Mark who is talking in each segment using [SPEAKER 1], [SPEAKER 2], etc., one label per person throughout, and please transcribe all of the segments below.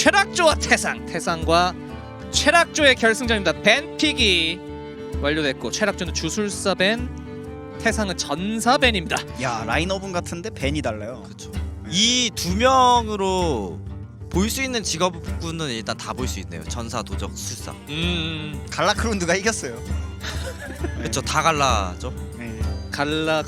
[SPEAKER 1] 최락조와 태상과 최락조의 결승전입니다. 벤픽이 완료됐고 최락조는 주술사 벤, 태상은 전사 벤입니다.
[SPEAKER 2] 야, 라인업은 같은데 벤이 달라요.
[SPEAKER 3] 그렇죠. 이 두 명으로 볼 수 있는 직업군은 일단 다 볼 수 있네요. 전사, 도적, 술사.
[SPEAKER 2] 갈라크론드가 이겼어요.
[SPEAKER 3] 그렇죠. 다 갈라죠.
[SPEAKER 2] 네.
[SPEAKER 1] 갈라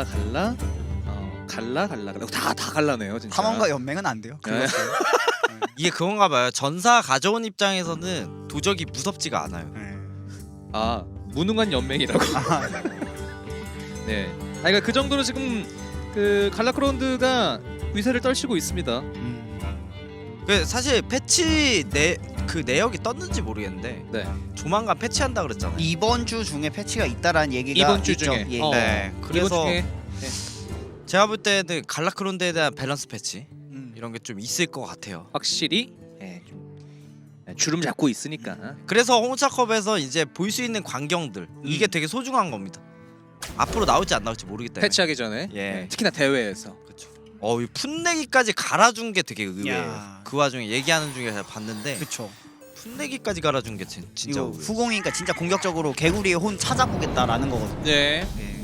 [SPEAKER 1] 다 갈라네요 진짜.
[SPEAKER 2] 탐험가 연맹은 안 돼요. 그렇어요.
[SPEAKER 3] 이게 그건가 봐요. 전사 가져온 입장에서는 도적이 무섭지가 않아요.
[SPEAKER 2] 네.
[SPEAKER 1] 아 무능한 연맹이라고.
[SPEAKER 2] 아,
[SPEAKER 1] 네. 아 그러니까 그 정도로 지금 그 갈라크론드가 위세를 떨치고 있습니다.
[SPEAKER 3] 그 사실 패치 그 내역이 떴는지 모르겠는데
[SPEAKER 1] 네.
[SPEAKER 3] 조만간 패치한다 그랬잖아요.
[SPEAKER 2] 이번 주 중에 패치가 있다라는 얘기가
[SPEAKER 1] 이번 주
[SPEAKER 2] 있죠.
[SPEAKER 1] 중에.
[SPEAKER 2] 예.
[SPEAKER 3] 네.
[SPEAKER 1] 이번
[SPEAKER 3] 그래서
[SPEAKER 1] 중에
[SPEAKER 3] 제가 볼 때는 갈라크론드에 대한 밸런스 패치
[SPEAKER 2] 음.
[SPEAKER 3] 이런 게 좀 있을 것 같아요.
[SPEAKER 1] 확실히 좀 주름 잡고 있으니까.
[SPEAKER 3] 그래서 홍차컵에서 이제 볼 수 있는 광경들 이게 되게 소중한 겁니다. 앞으로 나올지 안 나올지 모르기 때문에.
[SPEAKER 1] 패치하기 전에
[SPEAKER 3] 예.
[SPEAKER 1] 네, 특히나 대회에서.
[SPEAKER 3] 그렇죠. 이 풋내기까지 갈아준 게 되게 의외예요.
[SPEAKER 2] 야.
[SPEAKER 3] 그 와중에 얘기하는 중에 제가 봤는데
[SPEAKER 2] 그쵸.
[SPEAKER 3] 풋내기까지 갈아준 게 진짜
[SPEAKER 2] 이거
[SPEAKER 3] 의외예요.
[SPEAKER 2] 후공이니까 진짜 공격적으로 개구리의 혼 찾아보겠다라는 거거든요.
[SPEAKER 1] 네.
[SPEAKER 2] 예.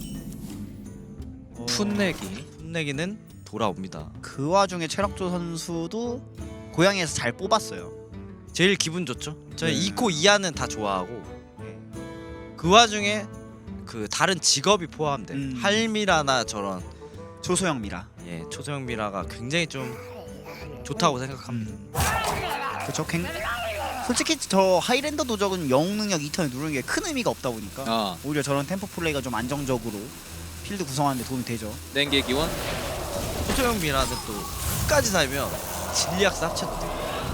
[SPEAKER 1] 풋내기.
[SPEAKER 3] 풋내기는 돌아옵니다.
[SPEAKER 2] 그 와중에 최락조 선수도 고향에서 잘 뽑았어요.
[SPEAKER 3] 제일 기분 좋죠. 저희
[SPEAKER 2] 네.
[SPEAKER 3] 2코 이하는 다 좋아하고
[SPEAKER 2] 네.
[SPEAKER 3] 그 와중에 그 다른 직업이 포함된 할미라나 저런
[SPEAKER 2] 조소영 미라.
[SPEAKER 3] 초소형 미라가 굉장히 좀 좋다고 생각합니다.
[SPEAKER 2] 그쵸. 솔직히 저 하이랜더 도적은 영웅 능력 2턴에 누르는 게 큰 의미가 없다 보니까 오히려 저런 템포 플레이가 좀 안정적으로 필드 구성하는 데 도움이 되죠.
[SPEAKER 1] 냉개 기원.
[SPEAKER 3] 초소형 미라는 또 끝까지 살면 진리학사 합쳐도 돼요.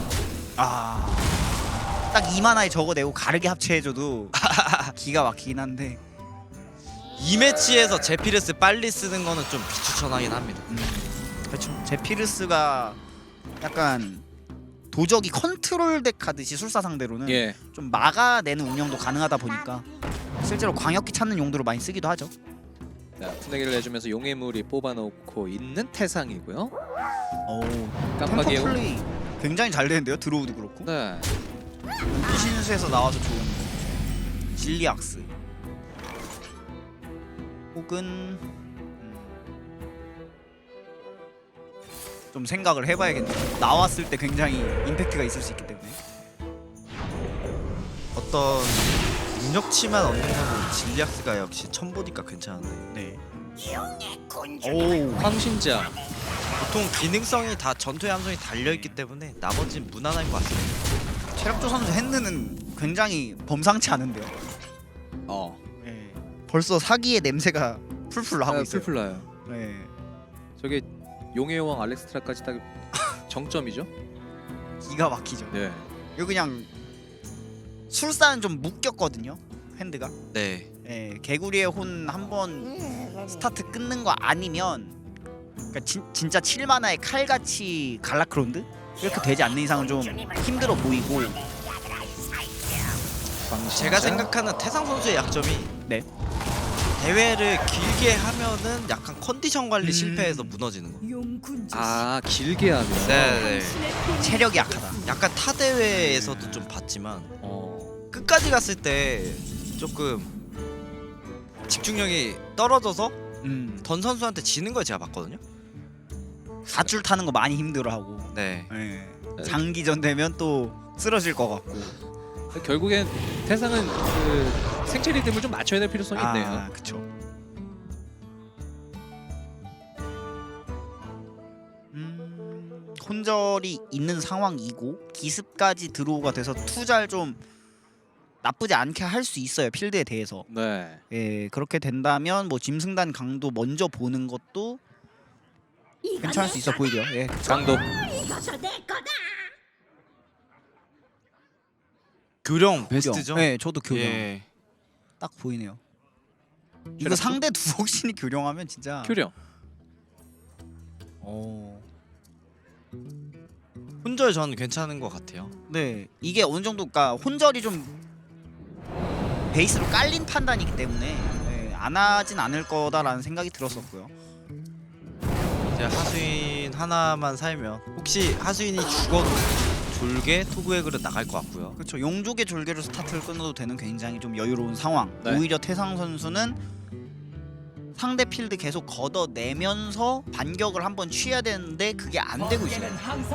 [SPEAKER 2] 딱 2만화에 적어내고 가르게 합체해줘도 기가 막히긴 한데
[SPEAKER 3] 이 매치에서 제피르스 빨리 쓰는 거는 좀 비추천하긴 합니다.
[SPEAKER 2] 그렇죠. 제피르스가 약간 도적이 컨트롤 덱 하듯이 술사 상대로는
[SPEAKER 1] 예.
[SPEAKER 2] 좀 막아내는 운영도 가능하다 보니까 실제로 광역기 찾는 용도로 많이 쓰기도 하죠.
[SPEAKER 1] 자, 풋내기를 내주면서 용의 물이 뽑아놓고 있는 태상이고요. 깜빡이에요.
[SPEAKER 2] 템포 플레이 굉장히 잘 되는데요. 드로우도 그렇고.
[SPEAKER 1] 네.
[SPEAKER 2] 신수에서 나와서 좋은 진리악스 혹은 좀 생각을 해봐야겠네요. 나왔을 때 굉장히 임팩트가 있을 수 있기 때문에.
[SPEAKER 3] 어떤 능력치만 얻는 거는 진리학스가 역시 첨보니까 괜찮은데
[SPEAKER 2] 네.
[SPEAKER 1] 오, 황신자.
[SPEAKER 3] 보통 기능성이 다 전투의 함성이 달려있기 때문에 나머지는 무난한 것 같습니다.
[SPEAKER 2] 최락조 선수 핸드는 굉장히 범상치 않은데요. 네. 벌써 사기의 냄새가 풀풀 나고 있어요.
[SPEAKER 1] 풀풀 나요.
[SPEAKER 2] 네.
[SPEAKER 1] 저게 용의 여왕 알렉스트라까지 딱 정점이죠.
[SPEAKER 2] 기가 막히죠.
[SPEAKER 1] 네.
[SPEAKER 2] 이거 그냥 술사는 좀 묶였거든요. 핸드가.
[SPEAKER 3] 네.
[SPEAKER 2] 예, 개구리의 혼 한 번 스타트 끊는 거 아니면 그러니까 진짜 7만화의 칼같이 갈라크론드 이렇게 되지 않는 이상은 좀 힘들어 보이고.
[SPEAKER 3] 제가 생각하는 태상 선수의 약점이
[SPEAKER 2] 네.
[SPEAKER 3] 대회를 길게 하면은 약간 컨디션 관리 실패해서 무너지는 거.
[SPEAKER 1] 아 길게 하면.
[SPEAKER 3] 네.
[SPEAKER 2] 체력이 약하다.
[SPEAKER 3] 약간 타 대회에서도 좀 봤지만 끝까지 갔을 때 조금 집중력이 떨어져서 던 선수한테 지는 걸 제가 봤거든요.
[SPEAKER 2] 4줄 타는 거 많이 힘들어하고.
[SPEAKER 3] 네.
[SPEAKER 2] 예. 장기전 되면 또 쓰러질 것 같고.
[SPEAKER 1] 결국엔 태상은 그 생체 리듬을 좀 맞춰야 될 필요성이 있네요.
[SPEAKER 2] 그렇죠. 혼절이 있는 상황이고 기습까지 드로우가 돼서 투자를 좀 나쁘지 않게 할 수 있어요. 필드에 대해서.
[SPEAKER 1] 네.
[SPEAKER 2] 예, 그렇게 된다면 뭐 짐승단 강도 먼저 보는 것도 괜찮을 수 있어 보이죠. 예.
[SPEAKER 1] 강도.
[SPEAKER 3] 교령 베스트죠.
[SPEAKER 2] 네, 저도 교령.
[SPEAKER 3] 예.
[SPEAKER 2] 딱 보이네요. 이거 상대 두옥신이 교령하면 진짜.
[SPEAKER 1] 교령.
[SPEAKER 3] 혼절 저는 괜찮은 것 같아요.
[SPEAKER 2] 네, 이게 어느 정도 그러니까 혼절이 좀 베이스로 깔린 판단이기 때문에 안 하진 않을 거다라는 생각이 들었었고요.
[SPEAKER 3] 하수인 하나만 살면 혹시 하수인이 죽어도 졸개 토그웨그로 나갈 것 같고요.
[SPEAKER 2] 그렇죠. 용족의 졸개로 스타트를 끊어도 되는 굉장히 좀 여유로운 상황.
[SPEAKER 1] 네.
[SPEAKER 2] 오히려 태상 선수는 상대 필드 계속 걷어내면서 반격을 한번 취해야 되는데 그게 안 되고 있어요.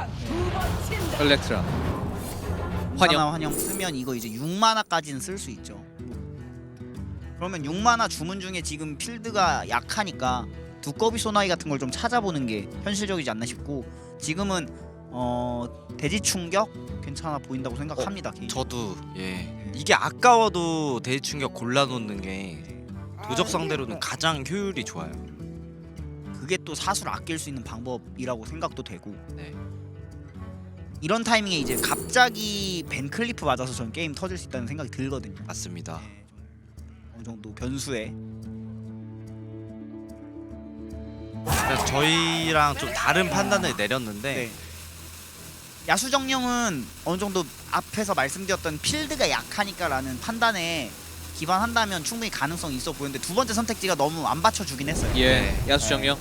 [SPEAKER 1] 엘렉트라
[SPEAKER 2] 환영 환영 쓰면 이거 이제 6만화까지는 쓸 수 있죠. 그러면 6만화 주문 중에 지금 필드가 약하니까 두꺼비 소나이 같은 걸 좀 찾아보는 게 현실적이지 않나 싶고 지금은 대지 충격 괜찮아 보인다고 생각합니다. 개인적으로.
[SPEAKER 3] 저도 이게 아까워도 대충격 골라놓는 게 도적 상대로는 가장 효율이 좋아요.
[SPEAKER 2] 그게 또 사수를 아낄 수 있는 방법이라고 생각도 되고
[SPEAKER 3] 네.
[SPEAKER 2] 이런 타이밍에 이제 갑자기 벤클리프 맞아서 전 게임 터질 수 있다는 생각이 들거든요.
[SPEAKER 3] 맞습니다.
[SPEAKER 2] 네, 좀 어느 정도 변수에
[SPEAKER 3] 그래서 저희랑 좀 다른 판단을 내렸는데
[SPEAKER 2] 네. 야수정령은 어느 정도 앞에서 말씀드렸던 필드가 약하니까라는 판단에 기반한다면 충분히 가능성이 있어 보이는데 두 번째 선택지가 너무 안 받쳐주긴 했어요.
[SPEAKER 1] 예 야수정령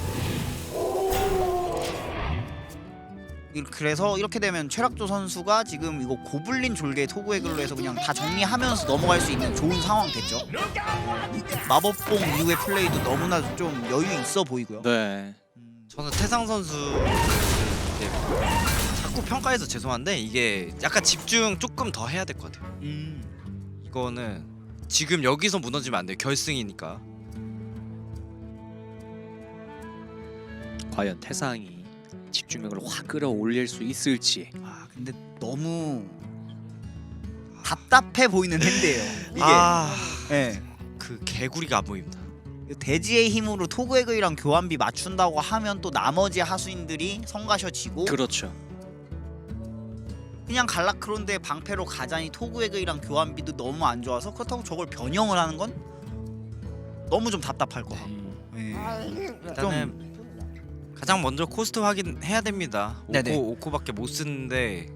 [SPEAKER 2] 그래서 이렇게 되면 최락조 선수가 지금 이거 고블린 졸개 토구의글로 해서 그냥 다 정리하면서 넘어갈 수 있는 좋은 상황 됐죠. 마법봉 이후의 플레이도 너무나 좀 여유 있어 보이고요.
[SPEAKER 1] 네
[SPEAKER 3] 저는 태상 선수 자꾸 평가해서 죄송한데 이게 약간 집중 조금 더 해야 될 것 같아요. 이거는 지금 여기서 무너지면 안 돼요. 결승이니까.
[SPEAKER 1] 과연 태상이 집중력을 확 끌어올릴 수 있을지.
[SPEAKER 2] 아 근데 너무 답답해 보이는 핸드예요. 이게 네.
[SPEAKER 3] 그 개구리가 안 보입니다.
[SPEAKER 2] 대지의 힘으로 토그에그이랑 교환비 맞춘다고 하면 또 나머지 하수인들이 성가셔지고
[SPEAKER 1] 그렇죠.
[SPEAKER 2] 그냥 갈라크론드의 방패로 가자니 토그에그이랑 교환비도 너무 안 좋아서 그렇다고 저걸 변형을 하는 건 너무 좀 답답할 거 같고
[SPEAKER 3] 일단은 가장 먼저 코스트 확인해야 됩니다.
[SPEAKER 2] 네네.
[SPEAKER 3] 5코밖에 못 쓰는데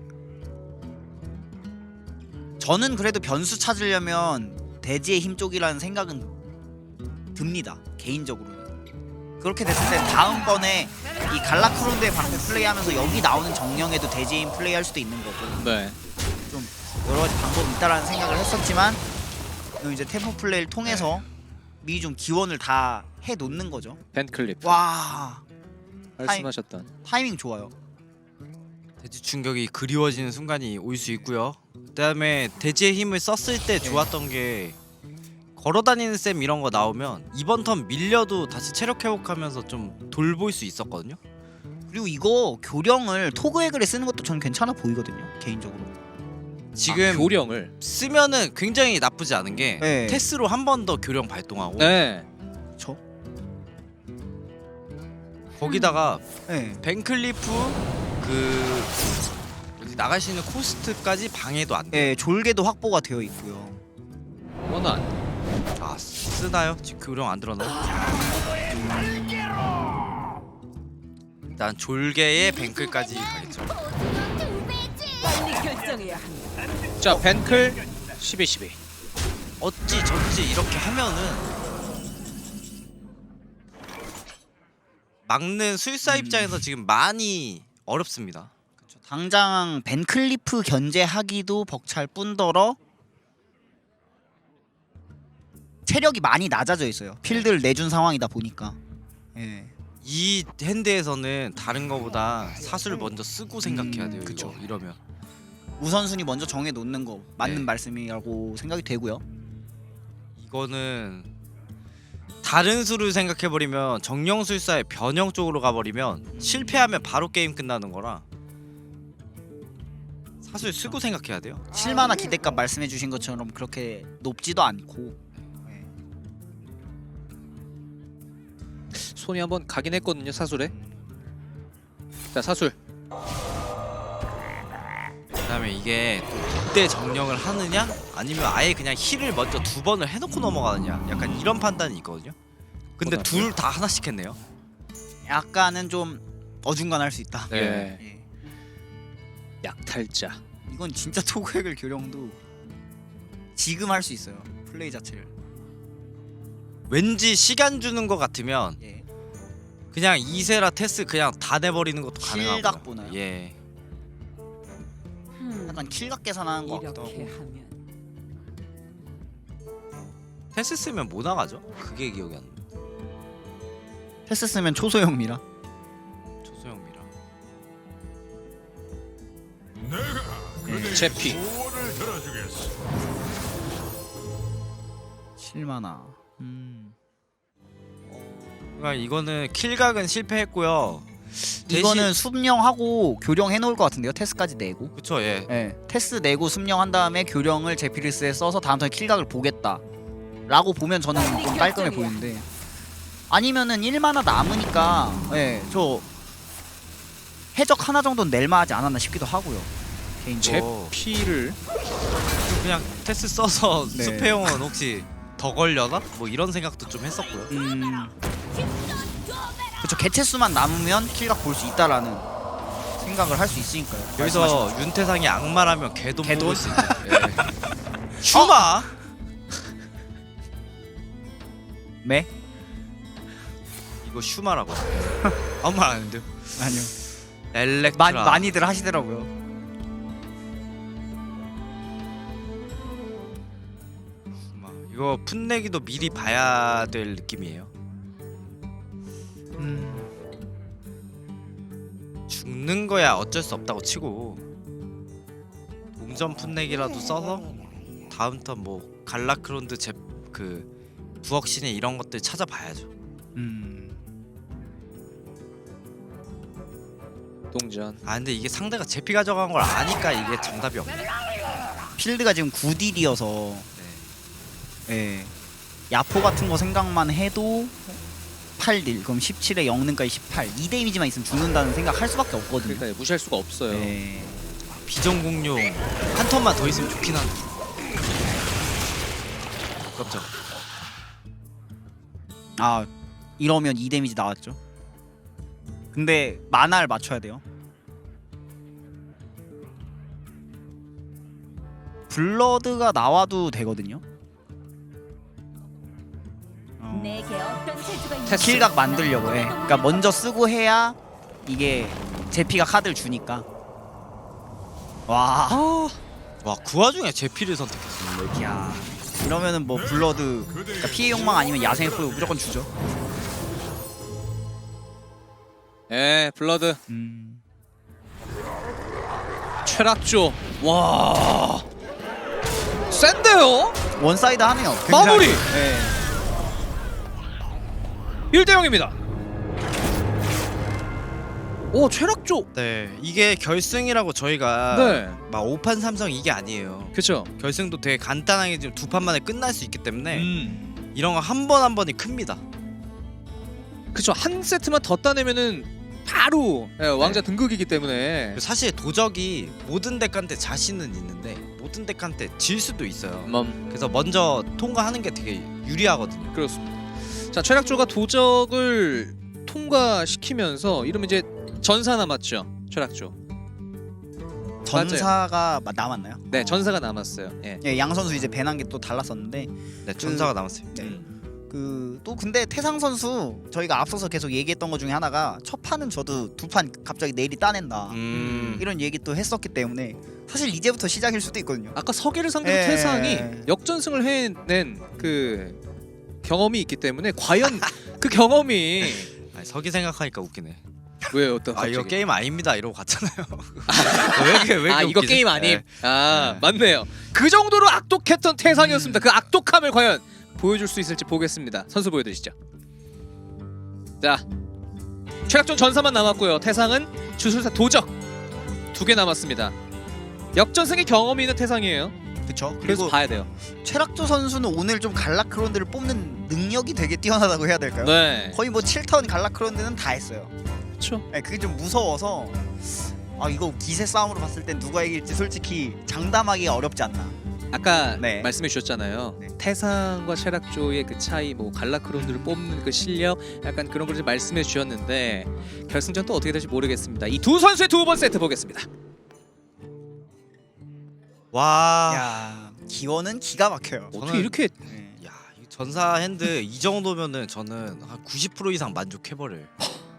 [SPEAKER 2] 저는 그래도 변수 찾으려면 대지의 힘 쪽이라는 생각은 듭니다. 개인적으로는. 그렇게 됐을 때 다음번에 이 갈라크론드의 방패 플레이하면서 여기 나오는 정령에도 대지의 힘 플레이할 수도 있는 거고
[SPEAKER 1] 네.
[SPEAKER 2] 좀 여러 가지 방법이 있다라는 생각을 했었지만 이제 템포 플레이를 통해서 미리 좀 기원을 다 해놓는 거죠.
[SPEAKER 1] 벤클리프
[SPEAKER 2] 와
[SPEAKER 1] 말씀하셨던
[SPEAKER 2] 타이밍 좋아요.
[SPEAKER 3] 대지 충격이 그리워지는 순간이 올 수 있고요. 그다음에 대지의 힘을 썼을 때 좋았던 게 걸어다니는 셈 이런 거 나오면 이번 턴 밀려도 다시 체력 회복하면서 좀 돌볼 수 있었거든요.
[SPEAKER 2] 그리고 이거 교령을 토그에글에 쓰는 것도 저는 괜찮아 보이거든요. 개인적으로.
[SPEAKER 3] 지금
[SPEAKER 1] 교령을
[SPEAKER 3] 쓰면은 굉장히 나쁘지 않은 게
[SPEAKER 2] 네.
[SPEAKER 3] 테스로 한 번 더 교령 발동하고
[SPEAKER 1] 네.
[SPEAKER 2] 저?
[SPEAKER 3] 거기다가
[SPEAKER 2] 네.
[SPEAKER 3] 벤클리프 그 어디 나갈 수 있는 코스트까지 방해도 안 돼요.
[SPEAKER 2] 네, 졸개도 확보가 되어 있고요.
[SPEAKER 1] 원한
[SPEAKER 3] 아 쓰나요? 지금 교령 안 들어나요? 일단 졸개의 벤클까지 가겠죠.
[SPEAKER 4] 빨리 결정해야 합니다.
[SPEAKER 1] 자 벤클 12-12
[SPEAKER 3] 어찌 저찌 이렇게 하면은 막는 수일사 입장에서 지금 많이 어렵습니다.
[SPEAKER 2] 그렇죠. 당장 벤클리프 견제하기도 벅찰 뿐더러 체력이 많이 낮아져 있어요. 필드를 내준 상황이다 보니까. 예.
[SPEAKER 3] 이 핸드에서는 다른 거보다 사수를 먼저 쓰고 생각해야 돼요.
[SPEAKER 2] 그쵸.
[SPEAKER 3] 이거 이러면
[SPEAKER 2] 우선순위 먼저 정해 놓는 거 맞는
[SPEAKER 3] 네.
[SPEAKER 2] 말씀이라고 생각이 되고요.
[SPEAKER 3] 이거는 다른 수를 생각해버리면 정령술사의 변형 쪽으로 가버리면 실패하면 바로 게임 끝나는 거라 사수를 쓰고 생각해야 돼요.
[SPEAKER 2] 7만화 기대값 말씀해 주신 것처럼 그렇게 높지도 않고 예.
[SPEAKER 1] 손이 한번 가긴 했거든요 사술에. 자 사술
[SPEAKER 3] 그다음에 이게 그때 정령을 하느냐 아니면 아예 그냥 힐을 먼저 2번을 해놓고 넘어가느냐 약간 이런 판단이 있거든요. 근데 둘 다 하나씩 했네요.
[SPEAKER 2] 약간은 좀 어중간할 수 있다.
[SPEAKER 1] 네.
[SPEAKER 2] 예.
[SPEAKER 1] 약탈자
[SPEAKER 2] 이건 진짜 토그액을 교령도 지금 할 수 있어요. 플레이 자체를.
[SPEAKER 3] 왠지 시간 주는 것 같으면
[SPEAKER 2] 예.
[SPEAKER 3] 그냥 이세라 테스 그냥 다 내버리는 것도 가능하고.
[SPEAKER 2] 킬각 보나요?
[SPEAKER 3] 예.
[SPEAKER 2] 약간 킬각 계산하는 거 같기도
[SPEAKER 4] 이렇게
[SPEAKER 2] 하고.
[SPEAKER 4] 하면
[SPEAKER 3] 테스 쓰면 뭐 나가죠? 그게 기억이 안 나.
[SPEAKER 2] 테스 쓰면 초소형 미라.
[SPEAKER 3] 조소영 미라.
[SPEAKER 1] 제피.
[SPEAKER 2] 7만화.
[SPEAKER 3] 그러니까 이거는 킬각은 실패했고요.
[SPEAKER 2] 이거는 숲령하고 교령 해놓을 것 같은데요. 테스까지 내고.
[SPEAKER 3] 그쵸 예.
[SPEAKER 2] 네, 테스 내고 숲령 한 다음에 교령을 제피리스에 써서 다음 턴에 킬각을 보겠다 라고 보면 저는 좀 깔끔해 보이는데, 아니면은 1만화 남으니까 저 해적 하나 정도는 낼만하지 않았나 싶기도 하고요. 개인적으로.
[SPEAKER 1] 제피를
[SPEAKER 3] 그냥 테스 써서
[SPEAKER 2] 네.
[SPEAKER 3] 스페용은 혹시 더 걸려나? 뭐 이런 생각도 좀 했었고요.
[SPEAKER 2] 그쵸, 개체수만 남으면 킬각 볼 수 있다라는 생각을 할 수 있으니까요.
[SPEAKER 3] 여기서 윤태상이 악마라면 개돈
[SPEAKER 2] 개돈?
[SPEAKER 3] 뽑을 수 있죠. 예. 슈마?
[SPEAKER 2] 네?
[SPEAKER 3] 이거 슈마라고. 아무 말 안 했는데요.
[SPEAKER 2] 아니요.
[SPEAKER 3] 엘렉트라.
[SPEAKER 2] 많이들 하시더라고요.
[SPEAKER 3] 슈마. 이거 풋내기도 미리 봐야 될 느낌이에요. 죽는 거야 어쩔 수 없다고 치고 동전 풋내기라도 써서 다음 턴 뭐 갈라크론드 그 부엌신의 이런 것들 찾아봐야죠.
[SPEAKER 1] 동전.
[SPEAKER 3] 아 근데 이게 상대가 제피 가져간 걸 아니까 이게 정답이 없네.
[SPEAKER 2] 필드가 지금 9딜이어서 예. 야포 같은 거 생각만 해도 8딜, 그럼 17에 영능까지 18, 2데미지만 있으면 죽는다는 생각 할 수밖에 없거든요.
[SPEAKER 1] 그러니까 무시할 수가 없어요.
[SPEAKER 2] 예.
[SPEAKER 3] 비전공룡 한 턴만 더 있으면 좋긴 한데. 아깝죠.
[SPEAKER 2] 아, 이러면 2데미지 나왔죠. 근데 만화를 맞춰야 돼요. 블러드가 나와도 되거든요.
[SPEAKER 4] 내게 어떤 재주가 있는지
[SPEAKER 2] 킬각 만들려고 해. 그러니까 먼저 쓰고 해야 이게 제피가 카드를 주니까. 와,
[SPEAKER 3] 와 그 와중에 제피를 선택했어.
[SPEAKER 2] 야, 이러면은 뭐 블러드, 그러니까 피해 욕망 아니면 야생의 포효 무조건 주죠.
[SPEAKER 1] 예, 블러드. 최락조. 와. 센데요?
[SPEAKER 2] 원사이드 하네요.
[SPEAKER 1] 마무리!
[SPEAKER 2] 네.
[SPEAKER 1] 1대 0입니다. 오, 최락조.
[SPEAKER 3] 네 이게 결승이라고 저희가
[SPEAKER 1] 네.
[SPEAKER 3] 막 5판 3성 이게 아니에요.
[SPEAKER 1] 그렇죠.
[SPEAKER 3] 결승도 되게 간단하게 지금 2판 만에 끝날 수 있기 때문에
[SPEAKER 1] 음.
[SPEAKER 3] 이런 거 한 번 한 번이 큽니다.
[SPEAKER 1] 그렇죠. 한 세트만 더 따내면은 바로 왕자 등극이기 때문에.
[SPEAKER 3] 사실 도적이 모든 덱한테 자신은 있는데 모든 덱한테 질 수도 있어요. 그래서 먼저 통과하는 게 되게 유리하거든요.
[SPEAKER 1] 그렇습니다. 자, 최락조가 도적을 통과시키면서 이러면 이제 전사 남았죠. 최락조.
[SPEAKER 2] 전사가 남았나요?
[SPEAKER 1] 네, 전사가 남았어요. 예.
[SPEAKER 2] 예, 양 선수 이제 배난 게 또 달랐었는데,
[SPEAKER 3] 네 전사가 남았어요.
[SPEAKER 2] 네.
[SPEAKER 1] 음.
[SPEAKER 2] 또 근데 태상 선수 저희가 앞서서 계속 얘기했던 것 중에 하나가 첫 판은 저도 두 판 갑자기 내일이 따낸다 이런 얘기 또 했었기 때문에 사실 이제부터 시작일 수도 있거든요.
[SPEAKER 1] 아까 서계를 상대로
[SPEAKER 2] 예.
[SPEAKER 1] 태상이 역전승을 해낸 그 경험이 있기 때문에 과연 그 경험이
[SPEAKER 3] 아니, 서기 생각하니까 웃기네.
[SPEAKER 1] 왜 어떤
[SPEAKER 3] 아 이거
[SPEAKER 1] 갑자기?
[SPEAKER 3] 게임 아닙니다 이러고 갔잖아요. 왜 이렇게
[SPEAKER 1] 아, 이거
[SPEAKER 3] 웃기지?
[SPEAKER 1] 게임 아님.
[SPEAKER 3] 네.
[SPEAKER 1] 아,
[SPEAKER 3] 네.
[SPEAKER 1] 맞네요. 그 정도로 악독했던 태상이었습니다. 그 악독함을 과연 보여줄 수 있을지 보겠습니다. 선수 보여드리시죠. 자, 최락전 전사만 남았고요. 태상은 주술사 도적 2개 남았습니다. 역전승의 경험이 있는 태상이에요.
[SPEAKER 2] 그렇죠.
[SPEAKER 1] 그래서
[SPEAKER 2] 그리고
[SPEAKER 1] 봐야 돼요.
[SPEAKER 2] 최락조 선수는 오늘 좀 갈라크론드를 뽑는 능력이 되게 뛰어나다고 해야 될까요?
[SPEAKER 1] 네,
[SPEAKER 2] 거의 뭐 7턴 갈라크론드는 다 했어요.
[SPEAKER 1] 그렇죠.
[SPEAKER 2] 네, 그게 좀 무서워서 이거 기세 싸움으로 봤을 땐 누가 이길지 솔직히 장담하기가 어렵지 않나.
[SPEAKER 1] 아까
[SPEAKER 2] 네.
[SPEAKER 1] 말씀해 주셨잖아요.
[SPEAKER 2] 네.
[SPEAKER 1] 태상과 최락조의 그 차이, 뭐 갈라크론드를 뽑는 그 실력, 약간 그런 걸 좀 말씀해 주셨는데 결승전 또 어떻게 될지 모르겠습니다. 이 두 선수의 두 번 세트 보겠습니다.
[SPEAKER 3] 와.
[SPEAKER 2] 야, 기원은 기가 막혀요.
[SPEAKER 1] 어떻게 이렇게
[SPEAKER 2] 네.
[SPEAKER 3] 야, 이 전사 핸드 이 정도면은 저는 한 90% 이상 만족해버려요.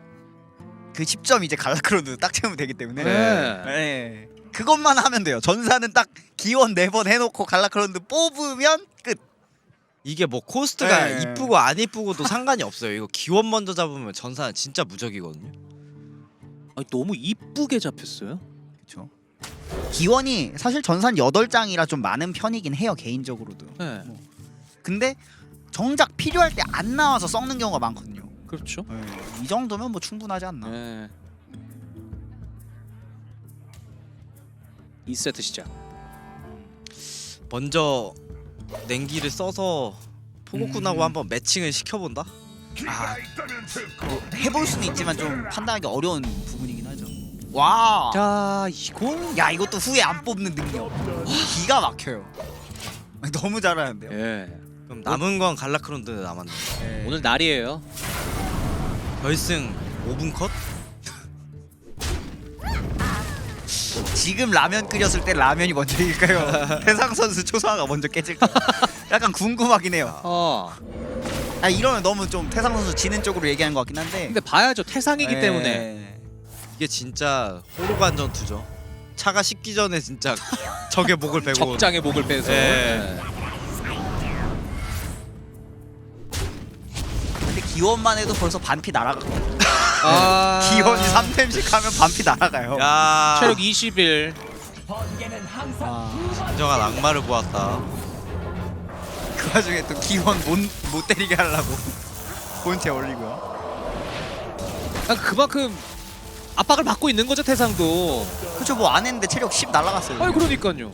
[SPEAKER 2] 그 10점 이제 갈라크론드 딱 채우면 되기 때문에
[SPEAKER 1] 네.
[SPEAKER 2] 네. 그것만 하면 돼요. 전사는 딱 기원 4번 해놓고 갈라크론드 뽑으면 끝.
[SPEAKER 3] 이게 뭐 코스트가
[SPEAKER 2] 네.
[SPEAKER 3] 이쁘고 안 이쁘고도 상관이 없어요. 이거 기원 먼저 잡으면 전사는 진짜 무적이거든요.
[SPEAKER 1] 아니, 너무 이쁘게 잡혔어요.
[SPEAKER 2] 그렇죠. 기원이 사실 전산 8장이라 좀 많은 편이긴 해요 개인적으로도.
[SPEAKER 1] 네.
[SPEAKER 2] 근데 정작 필요할 때 안 나와서 썩는 경우가 많거든요.
[SPEAKER 1] 그렇죠.
[SPEAKER 2] 이 정도면 뭐 충분하지 않나.
[SPEAKER 1] 네. 2세트 시작.
[SPEAKER 3] 먼저 냉기를 써서 포고쿤하고 한번 매칭을 시켜본다?
[SPEAKER 2] 아, 뭐 해볼 수는 있지만 좀 판단하기 어려운 부분이긴 하죠. 와.
[SPEAKER 1] 자, 이건
[SPEAKER 2] 야 이것도 후에 안 뽑는 능력. 기가 막혀요. 너무 잘하는데요.
[SPEAKER 1] 예.
[SPEAKER 3] 그럼 남은 건 갈라크론드 남았네.
[SPEAKER 1] 오늘 날이에요.
[SPEAKER 3] 결승 5분 컷?
[SPEAKER 2] 지금 라면 끓였을 때 라면이 먼저일까요? 태상 선수 초상화가 먼저 깨질까요? 약간 궁금하긴 해요. 아 이러면 너무 좀 태상 선수 지는 쪽으로 얘기하는 것 같긴 한데.
[SPEAKER 1] 근데 봐야죠. 태상이기
[SPEAKER 2] 네.
[SPEAKER 1] 때문에.
[SPEAKER 3] 이게 진짜 호로간 전투죠. 차가 식기 전에 진짜 적의 목을 베고
[SPEAKER 1] 적장의 목을 빼서.
[SPEAKER 3] 네.
[SPEAKER 2] 근데 기원만 해도 벌써 반피 날아가.
[SPEAKER 1] 아,
[SPEAKER 2] 기원이 3템씩 하면 반피 날아가요.
[SPEAKER 3] 야
[SPEAKER 1] 체력 20일.
[SPEAKER 3] 진정한 악마를 보았다.
[SPEAKER 2] 그 와중에 또 기원 못 때리게 하려고 본체 올리고요.
[SPEAKER 1] 아, 그만큼 압박을 받고 있는 거죠, 태상도.
[SPEAKER 2] 그쵸 뭐 안 했는데 체력 10 날아갔어요.
[SPEAKER 1] 아, 그러니까요.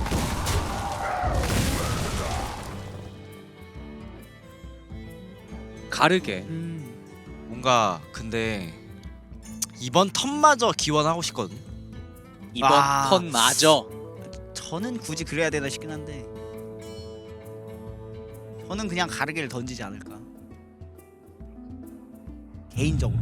[SPEAKER 1] 가르게.
[SPEAKER 3] 뭔가 근데 이번 턴마저 기원하고 싶거든.
[SPEAKER 1] 이번
[SPEAKER 2] 아.
[SPEAKER 1] 턴마저.
[SPEAKER 2] 저는 굳이 그래야 되나 싶긴 한데 저는 그냥 가르게를 던지지 않을까 개인적으로.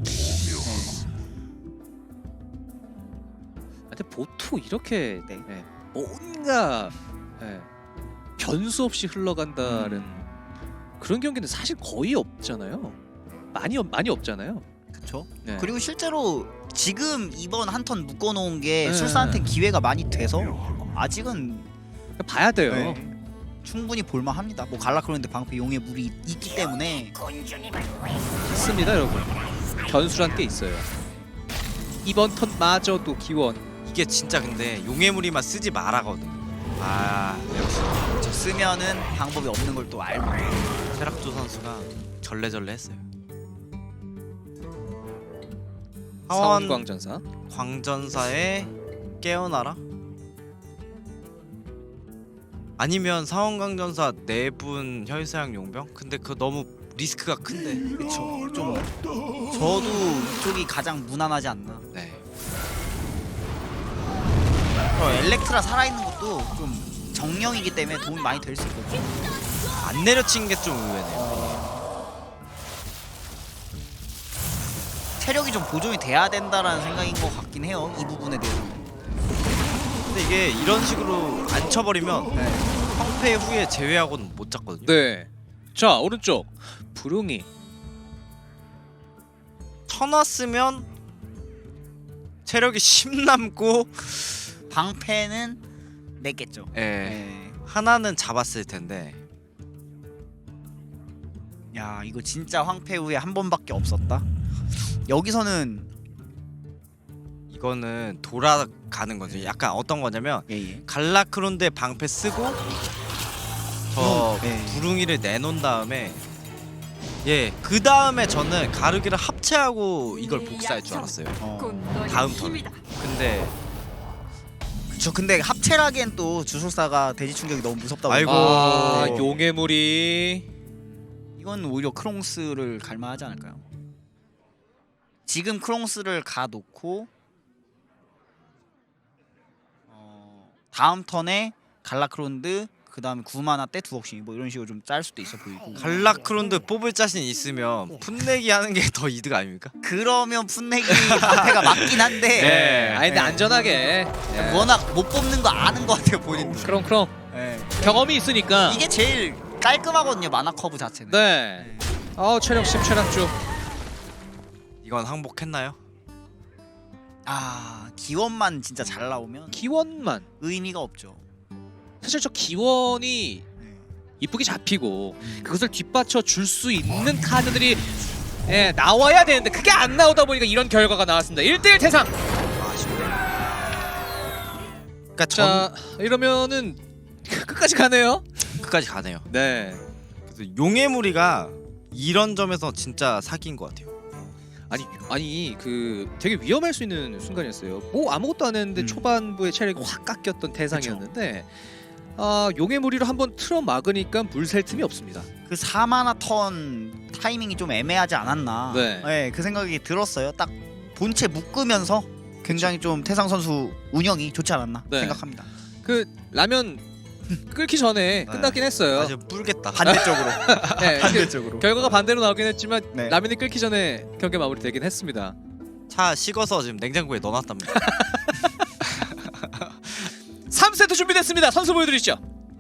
[SPEAKER 1] 근데 보통 이렇게
[SPEAKER 2] 네.
[SPEAKER 1] 뭔가 변수 없이 흘러간다는 그런 경기는 사실 거의 없잖아요. 많이 없잖아요.
[SPEAKER 2] 그쵸.
[SPEAKER 1] 네.
[SPEAKER 2] 그리고 실제로 지금 이번 한 턴 묶어놓은 게
[SPEAKER 1] 네.
[SPEAKER 2] 술사한테 기회가 많이 돼서 아직은
[SPEAKER 1] 봐야 돼요.
[SPEAKER 2] 네, 충분히 볼만합니다. 뭐 갈라크론드 방패 용의 물이 있기 때문에.
[SPEAKER 1] 있습니다, 여러분. 변수란 게 있어요. 이번 턴마저도 기원.
[SPEAKER 3] 이게 진짜 근데 용의 무리만 쓰지 말아거든. 아 역시
[SPEAKER 2] 저 쓰면은 방법이 없는 걸 또 알고.
[SPEAKER 3] 세락조 선수가 절레절레했어요. 하원
[SPEAKER 1] 사원광전사.
[SPEAKER 3] 광전사에 깨어나라? 아니면 사원광전사 4분 혈사양 용병? 근데 그거 너무 리스크가 큰데.
[SPEAKER 2] 그쵸. 좀 저도 이쪽이 가장 무난하지 않나.
[SPEAKER 3] 네.
[SPEAKER 2] 엘렉트라 살아있는 것도 좀 정령이기 때문에 도움이 많이 될 수 있거든요.
[SPEAKER 3] 안 내려친 게 좀 의외네요.
[SPEAKER 2] 체력이 좀 보존이 돼야 된다라는 생각인 것 같긴 해요. 이 부분에 대해서.
[SPEAKER 3] 근데 이게 이런 식으로 안 쳐버리면
[SPEAKER 2] 네.
[SPEAKER 3] 황폐 후에 제외하고는 못 잡거든요.
[SPEAKER 1] 네. 자, 오른쪽 부릉이.
[SPEAKER 3] 쳐놨으면 체력이 10 남고
[SPEAKER 2] 방패는 냈겠죠.
[SPEAKER 3] 예.
[SPEAKER 2] 네.
[SPEAKER 3] 하나는 잡았을 텐데.
[SPEAKER 2] 야 이거 진짜 황폐 후에 한 번밖에 없었다. 여기서는
[SPEAKER 3] 이거는 돌아가는 거죠. 약간 어떤 거냐면
[SPEAKER 2] 예예.
[SPEAKER 3] 갈라크론드의 방패 쓰고 저
[SPEAKER 2] 네.
[SPEAKER 3] 부릉이를 내놓은 다음에 그 다음에 저는 가르기를 합체하고 이걸 복사할 줄 알았어요. 다음 턴. 근데
[SPEAKER 2] 그쵸. 근데 합체라기엔 또 주술사가 대지 충격이 너무 무섭다고.
[SPEAKER 3] 아이고.
[SPEAKER 1] 아,
[SPEAKER 3] 네.
[SPEAKER 1] 용의 물이.
[SPEAKER 2] 이건 오히려 크롱스를 갈만하지 않을까요? 지금 크롱스를 가놓고 다음 턴에 갈라크론드 그 다음에 9마나 때 두억씩 뭐 이런 식으로 좀 짤 수도 있어 보이고.
[SPEAKER 3] 갈라크론드 뽑을 자신 있으면 풋내기 하는 게 더 이득 아닙니까?
[SPEAKER 2] 그러면 풋내기 방패가 맞긴 한데
[SPEAKER 1] 네. 아니 근데
[SPEAKER 2] 네.
[SPEAKER 1] 안전하게.
[SPEAKER 2] 워낙 못 뽑는 거 아는 것 같아요 본인도.
[SPEAKER 1] 크롱크롱.
[SPEAKER 2] 네.
[SPEAKER 1] 경험이 있으니까.
[SPEAKER 2] 이게 제일 깔끔하거든요 마나 커브 자체는.
[SPEAKER 1] 네. 체력 10 체력주.
[SPEAKER 3] 이건 항복했나요?
[SPEAKER 2] 아 기원만 진짜 잘 나오면
[SPEAKER 1] 기원만.
[SPEAKER 2] 의미가 없죠.
[SPEAKER 1] 사실 저 기원이
[SPEAKER 2] 네.
[SPEAKER 1] 이쁘게 잡히고 그것을 뒷받쳐 줄 수 있는 카드들이 예, 나와야 되는데 그게 안 나오다 보니까 이런 결과가 나왔습니다. 1대1 태상.
[SPEAKER 3] 그러니까
[SPEAKER 1] 자, 이러면은 끝까지 가네요.
[SPEAKER 3] 끝까지 가네요.
[SPEAKER 1] 네.
[SPEAKER 3] 그래서 용의 무리가 이런 점에서 진짜 사기인 것 같아요.
[SPEAKER 1] 아니 그 되게 위험할 수 있는 순간이었어요. 뭐 아무것도 안 했는데 초반부에 체력이 확 깎였던 태상이었는데 용의 무리로 한번 틀어 막으니까 물 셀 틈이 없습니다.
[SPEAKER 2] 그 4마나 턴 타이밍이 좀 애매하지 않았나.
[SPEAKER 1] 네.
[SPEAKER 2] 그 생각이 들었어요. 딱 본체 묶으면서 굉장히 좀 태상 선수 운영이 좋지 않았나
[SPEAKER 1] 네.
[SPEAKER 2] 생각합니다.
[SPEAKER 1] 그 라면 끓기 전에 끝났긴 했어요.
[SPEAKER 3] 아주 뿔겠다.
[SPEAKER 2] 반대쪽으로.
[SPEAKER 1] 네,
[SPEAKER 2] 반대쪽으로.
[SPEAKER 1] 결과가 반대로 나오긴 했지만
[SPEAKER 2] 네.
[SPEAKER 1] 라면이 끓기 전에 경기 마무리되긴 했습니다.
[SPEAKER 3] 차 식어서 지금 냉장고에 넣어놨답니다.
[SPEAKER 1] 3세트 준비됐습니다. 선수 보여드리시죠.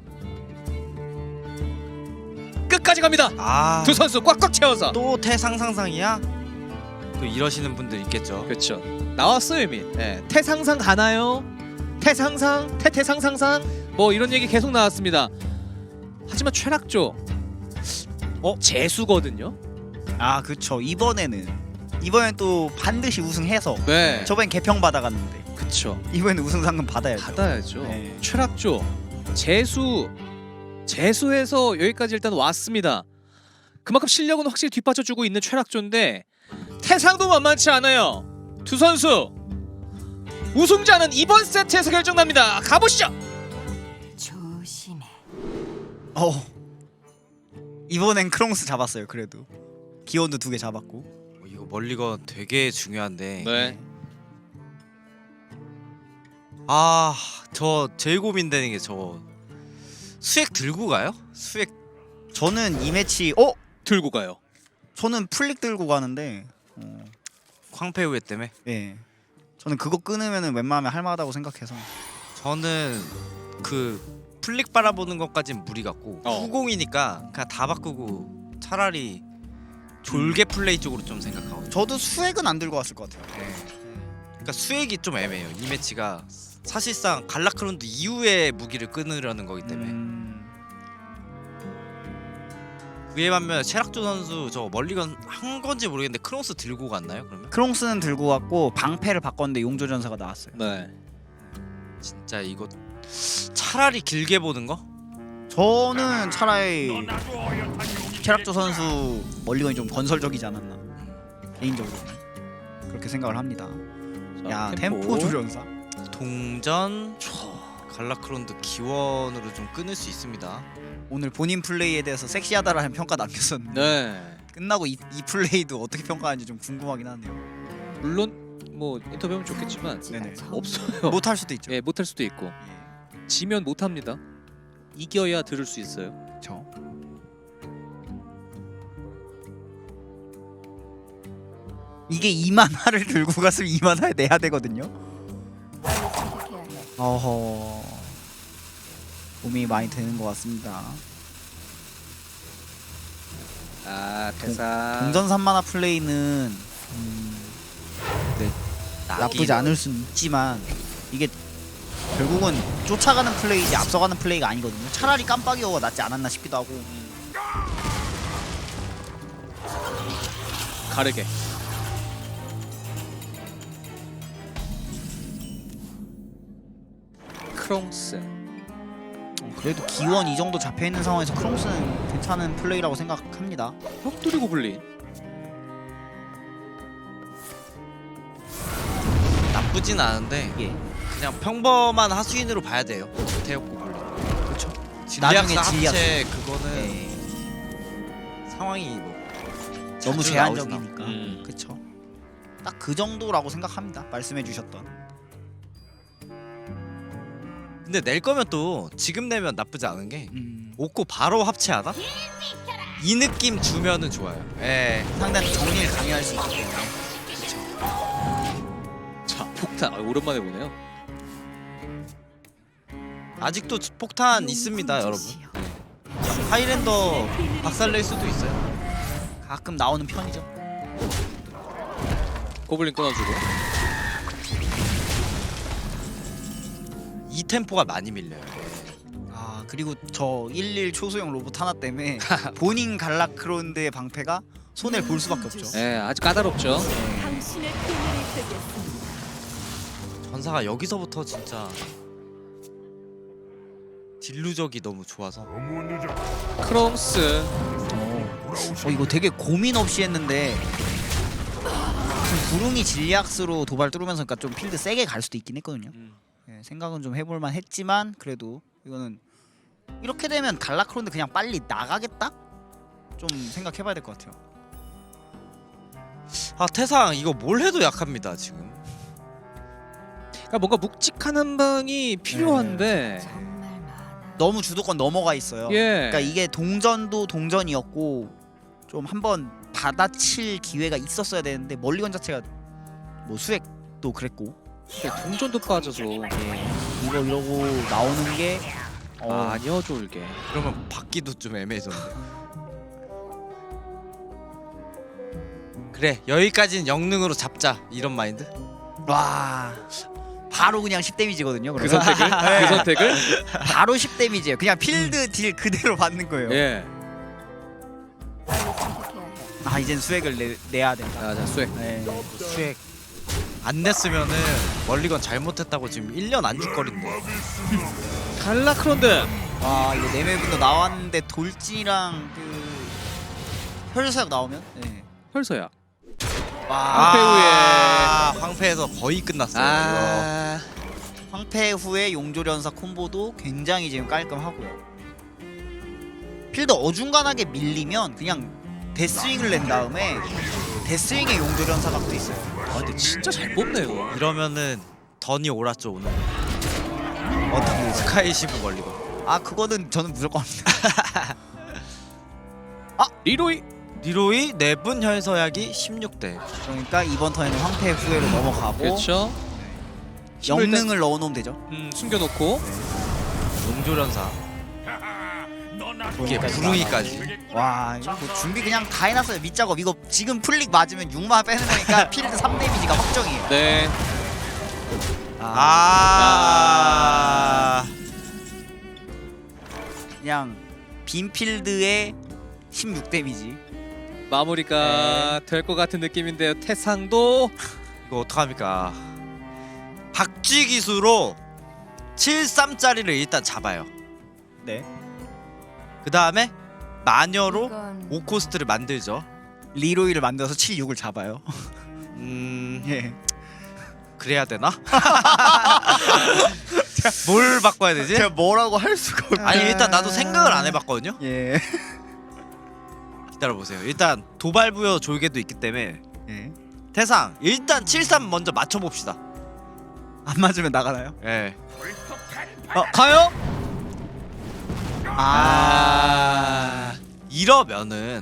[SPEAKER 1] 끝까지 갑니다.
[SPEAKER 3] 아,
[SPEAKER 1] 두 선수 꽉꽉 채워서.
[SPEAKER 3] 또 태상상상이야? 또 이러시는 분들 있겠죠.
[SPEAKER 1] 그렇죠. 나왔어요 이미. 네. 태상상 가나요? 태상상, 태태상상상 뭐 이런 얘기 계속 나왔습니다. 하지만 최락조 재수거든요.
[SPEAKER 2] 아 그쵸. 이번에는 또 반드시 우승해서
[SPEAKER 1] 네.
[SPEAKER 2] 저번엔 개평 받아갔는데
[SPEAKER 1] 그쵸.
[SPEAKER 2] 이번에는 우승 상금 받아야죠.
[SPEAKER 1] 받아야죠.
[SPEAKER 2] 네.
[SPEAKER 1] 최락조 재수해서 여기까지 일단 왔습니다. 그만큼 실력은 확실히 뒷받쳐주고 있는 최락조인데 태상도 만만치 않아요. 두 선수 우승자는 이번 세트에서 결정납니다. 가보시죠.
[SPEAKER 4] 조심해.
[SPEAKER 2] 이번엔 크롱스 잡았어요. 그래도 기원도 2개 잡았고.
[SPEAKER 3] 이거 멀리건 되게 중요한데.
[SPEAKER 1] 네.
[SPEAKER 3] 아, 저 제일 고민되는 게 저 수액 들고 가요? 수액
[SPEAKER 2] 저는 이 매치
[SPEAKER 1] 들고 가요.
[SPEAKER 2] 저는 플릭 들고 가는데
[SPEAKER 3] 광패후회 때문에.
[SPEAKER 2] 예. 저는 그거 끊으면은 웬만하면 할만하다고 생각해서.
[SPEAKER 3] 저는 그 플릭 바라보는 것까진 무리 같고 후공이니까 그냥 다 바꾸고 차라리 졸개 플레이 쪽으로 좀 생각하고.
[SPEAKER 2] 저도 수액은 안 들고 왔을 것 같아요.
[SPEAKER 3] 그러니까 수액이 좀 애매해요. 이 매치가 사실상 갈라크론드 이후에 무기를 끊으려는 거기 때문에. 그에 반면 체락조 선수 저 멀리건 한 건지 모르겠는데 크로스 들고 갔나요? 그러면?
[SPEAKER 2] 크롱스는 들고 왔고 방패를 바꿨는데 용조전사가 나왔어요.
[SPEAKER 1] 네.
[SPEAKER 3] 진짜 이거 차라리 길게 보는 거?
[SPEAKER 2] 저는 차라리 체락조 선수 멀리건이 좀 건설적이지 않았나 개인적으로 그렇게 생각을 합니다. 야 템포 조련사.
[SPEAKER 3] 동전 갈라크론드 기원으로 좀 끊을 수 있습니다.
[SPEAKER 2] 오늘 본인 플레이에 대해서 섹시하다라는 평가 남겼었는데
[SPEAKER 1] 네.
[SPEAKER 2] 끝나고 이 플레이도 어떻게 평가하는지 좀 궁금하긴 하네요.
[SPEAKER 1] 물론 뭐 인터뷰하면 좋겠지만
[SPEAKER 2] 네네.
[SPEAKER 1] 없어요.
[SPEAKER 2] 못할 수도 있죠.
[SPEAKER 1] 예, 못할 수도 있고
[SPEAKER 2] 예.
[SPEAKER 1] 지면 못합니다. 이겨야 들을 수 있어요.
[SPEAKER 2] 그렇죠. 이게 2만화를 들고 갔으면 2만화에 내야 되거든요.
[SPEAKER 4] 빨리 선택해야 해.
[SPEAKER 2] 어허. 고민이 많이 되는 것 같습니다.
[SPEAKER 1] 태상
[SPEAKER 2] 동전 3만화 플레이는 나쁘지 않을 수는 있지만 이게 결국은 쫓아가는 플레이지 앞서가는 플레이가 아니거든요. 차라리 깜빡이어가 낫지 않았나 싶기도 하고.
[SPEAKER 1] 가르게. 크롱스.
[SPEAKER 2] 그래도 기원 이 정도 잡혀 있는 상황에서 크롱스는 괜찮은 플레이라고 생각합니다.
[SPEAKER 1] 혁돌이 고블린.
[SPEAKER 3] 나쁘진 않은데
[SPEAKER 2] 예.
[SPEAKER 3] 그냥 평범한 하수인으로 봐야 돼요. 태엽 고블린.
[SPEAKER 2] 그렇죠.
[SPEAKER 3] 진리학사
[SPEAKER 2] 나중에
[SPEAKER 3] 합체 그거는
[SPEAKER 2] 예.
[SPEAKER 3] 상황이 뭐
[SPEAKER 2] 너무
[SPEAKER 3] 자주
[SPEAKER 2] 제한적이니까.
[SPEAKER 1] 음.
[SPEAKER 2] 그렇죠. 딱 그 정도라고 생각합니다. 말씀해주셨던.
[SPEAKER 3] 근데 낼 거면 또 지금 내면 나쁘지 않은 게
[SPEAKER 2] 음.
[SPEAKER 3] 오코 바로 합체하다? 이 느낌 주면은 좋아요. 예.
[SPEAKER 2] 상당히 정리를 강요할 수 있기 때문에.
[SPEAKER 1] 자 폭탄. 오랜만에 보네요.
[SPEAKER 3] 아직도 폭탄 있습니다, 여러분. 하이랜더 박살낼 수도 있어요.
[SPEAKER 2] 가끔 나오는 편이죠.
[SPEAKER 1] 고블린 끊어주고.
[SPEAKER 3] 이 템포가 많이 밀려요.
[SPEAKER 2] 아 그리고 저 11 초소형 로봇 하나 때문에 본인 갈라크론드의 방패가 손해를 볼 수밖에 없죠.
[SPEAKER 1] 네, 아주 까다롭죠.
[SPEAKER 4] 당신의 비밀을 듣겠습니다.
[SPEAKER 3] 전사가 여기서부터 진짜 딜루적이 너무 좋아서.
[SPEAKER 1] 크롬스.
[SPEAKER 2] 이거 되게 고민 없이 했는데 지금 구릉이 진리악스로 도발 뚫으면서 그러니까 좀 필드 세게 갈 수도 있긴 했거든요. 예, 생각은 좀 해볼만 했지만 그래도 이거는 이렇게 되면 갈라크론드 그냥 빨리 나가겠다? 좀 생각해봐야 될 것 같아요.
[SPEAKER 3] 아 태상 이거 뭘 해도 약합니다 지금.
[SPEAKER 1] 그러니까 뭔가 묵직한 한 방이 필요한데.
[SPEAKER 4] 정말 많아.
[SPEAKER 2] 너무 주도권 넘어가 있어요.
[SPEAKER 1] 예.
[SPEAKER 2] 그러니까 이게 동전도 동전이었고 좀 한번 받아칠 기회가 있었어야 되는데 멀리건 자체가 뭐 수액도 그랬고
[SPEAKER 1] 동전도 빠져서
[SPEAKER 2] 이거 이러고 나오는 게
[SPEAKER 1] 아니요 졸게.
[SPEAKER 3] 그러면 받기도 좀 애매해졌는데. 그래 여기까지는 영능으로 잡자 이런 마인드.
[SPEAKER 2] 와 바로 그냥 10 데미지거든요.
[SPEAKER 1] 그
[SPEAKER 2] 그러면.
[SPEAKER 1] 선택을 그 선택을.
[SPEAKER 2] 바로 10 데미지예요. 그냥 필드 딜 그대로 받는 거예요.
[SPEAKER 1] 예.
[SPEAKER 4] 빨리 선택해야 해.
[SPEAKER 2] 아 이젠 수액을 내야 된다.
[SPEAKER 1] 자 수액.
[SPEAKER 2] 네.
[SPEAKER 3] 수액 안 냈으면은 멀리건 잘못했다고 지금 1년 안주거린데.
[SPEAKER 1] 갈라크론드.
[SPEAKER 2] 와 이거 네메분도 나왔는데 돌진이랑 그 혈사역 나오면 네.
[SPEAKER 1] 혈서야.
[SPEAKER 2] 와
[SPEAKER 1] 황폐 후에.
[SPEAKER 3] 황폐에서 거의 끝났어요.
[SPEAKER 1] 아.
[SPEAKER 2] 황폐 후에 용조련사 콤보도 굉장히 지금 깔끔하고요. 필드 어중간하게 밀리면 그냥 데스윙을 낸 다음에 데스윙의 용조련사 각도 있어요.
[SPEAKER 1] 아 근데 진짜 잘 뽑네요.
[SPEAKER 3] 이러면은 던이 옳았죠 오늘.
[SPEAKER 2] 어떻게
[SPEAKER 3] 스카이시브 멀리건.
[SPEAKER 2] 아 그거는 저는 무조건 합니다.
[SPEAKER 1] 리로이.
[SPEAKER 3] 리로이 내분 혈서약이 16대.
[SPEAKER 2] 그러니까 이번 턴에는 황폐 후회로 넘어가고
[SPEAKER 1] 그렇죠.
[SPEAKER 2] 영능을 넣어놓으면 되죠.
[SPEAKER 1] 숨겨놓고.
[SPEAKER 3] 용조련사. 이게 부릉이까지.
[SPEAKER 2] 와 이거 뭐 준비 그냥 다 해놨어요. 밑작업 이거 지금 플릭 맞으면 6만 빼는 거니까 필드 3 데미지가 확정이에요.
[SPEAKER 1] 네.
[SPEAKER 2] 그냥 빈 필드에 16 데미지.
[SPEAKER 1] 마무리가 될 것 같은 느낌인데요. 태상도
[SPEAKER 3] 이거 어떡합니까? 박쥐 기수로 73짜리를 일단 잡아요.
[SPEAKER 2] 네.
[SPEAKER 3] 그 다음에 마녀로
[SPEAKER 4] 이건
[SPEAKER 3] 5코스트를 만들죠.
[SPEAKER 2] 리로이를 만들어서 7, 6을 잡아요.
[SPEAKER 3] 예. 그래야 되나? 뭘 바꿔야 되지?
[SPEAKER 2] 제가 뭐라고 할 수가 없.
[SPEAKER 3] 아니 일단 나도 생각을 안 해봤거든요.
[SPEAKER 2] 예.
[SPEAKER 3] 기다려보세요. 일단 도발부여 졸개도 있기 때문에
[SPEAKER 2] 예.
[SPEAKER 3] 태상 일단 73 먼저 맞춰봅시다.
[SPEAKER 2] 안 맞으면 나가나요?
[SPEAKER 3] 예.
[SPEAKER 1] 가요.
[SPEAKER 3] 이러면은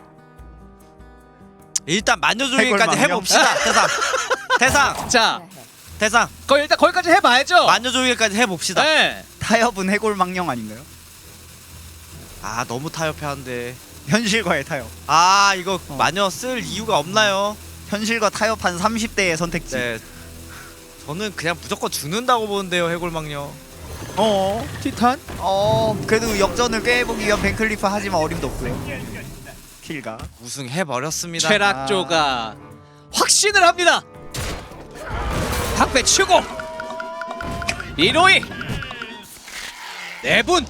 [SPEAKER 3] 일단 마녀조개까지
[SPEAKER 2] 해골
[SPEAKER 3] 해봅시다. 태상
[SPEAKER 1] 자,
[SPEAKER 4] 해야 해.
[SPEAKER 3] 태상
[SPEAKER 1] 일단 거기까지 해봐야죠.
[SPEAKER 3] 마녀조개까지 해봅시다.
[SPEAKER 1] 네.
[SPEAKER 2] 타협은 해골망령 아닌가요?
[SPEAKER 3] 아 너무 타협해한데.
[SPEAKER 2] 현실과의 타협.
[SPEAKER 3] 아 이거 마녀 쓸 이유가 없나요?
[SPEAKER 2] 현실과 타협한 30대의 선택지.
[SPEAKER 3] 네. 저는 그냥 무조건 죽는다고 보는데요 해골망녀.
[SPEAKER 1] 티탄.
[SPEAKER 2] 그래도 역전을 꾀해보기 위한 벤클리프 하지만 어림도 없고요. 킬가.
[SPEAKER 3] 우승해버렸습니다.
[SPEAKER 1] 최락조가 확신을 합니다. 박배 치고 리로이 내분.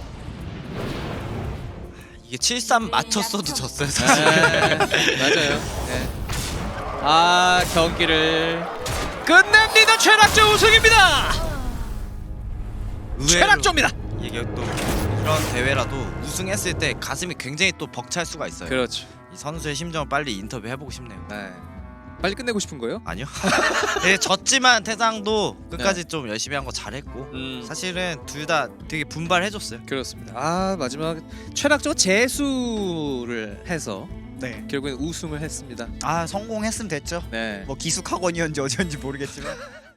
[SPEAKER 3] 이게 73 맞췄어도 졌어요 사실.
[SPEAKER 1] 맞아요. 네. 아 경기를 끝냅니다. 최락조 우승입니다.
[SPEAKER 3] 의외로
[SPEAKER 1] 최락조입니다.
[SPEAKER 3] 이게 또 이런 대회라도 우승했을 때 가슴이 굉장히 또 벅찰 수가 있어요.
[SPEAKER 1] 그렇죠.
[SPEAKER 3] 이 선수의 심정을 빨리 인터뷰 해보고 싶네요.
[SPEAKER 1] 네. 빨리 끝내고 싶은 거예요?
[SPEAKER 3] 아니요. 네, 졌지만 태상도 끝까지 좀 열심히 한 거 잘했고 사실은 둘 다 되게 분발해줬어요.
[SPEAKER 1] 그렇습니다. 아 마지막 최락조 재수를 해서
[SPEAKER 2] 네.
[SPEAKER 1] 결국엔 우승을 했습니다.
[SPEAKER 2] 아 성공했으면 됐죠.
[SPEAKER 1] 네.
[SPEAKER 2] 뭐 기숙학원이었는지 어디였는지 모르겠지만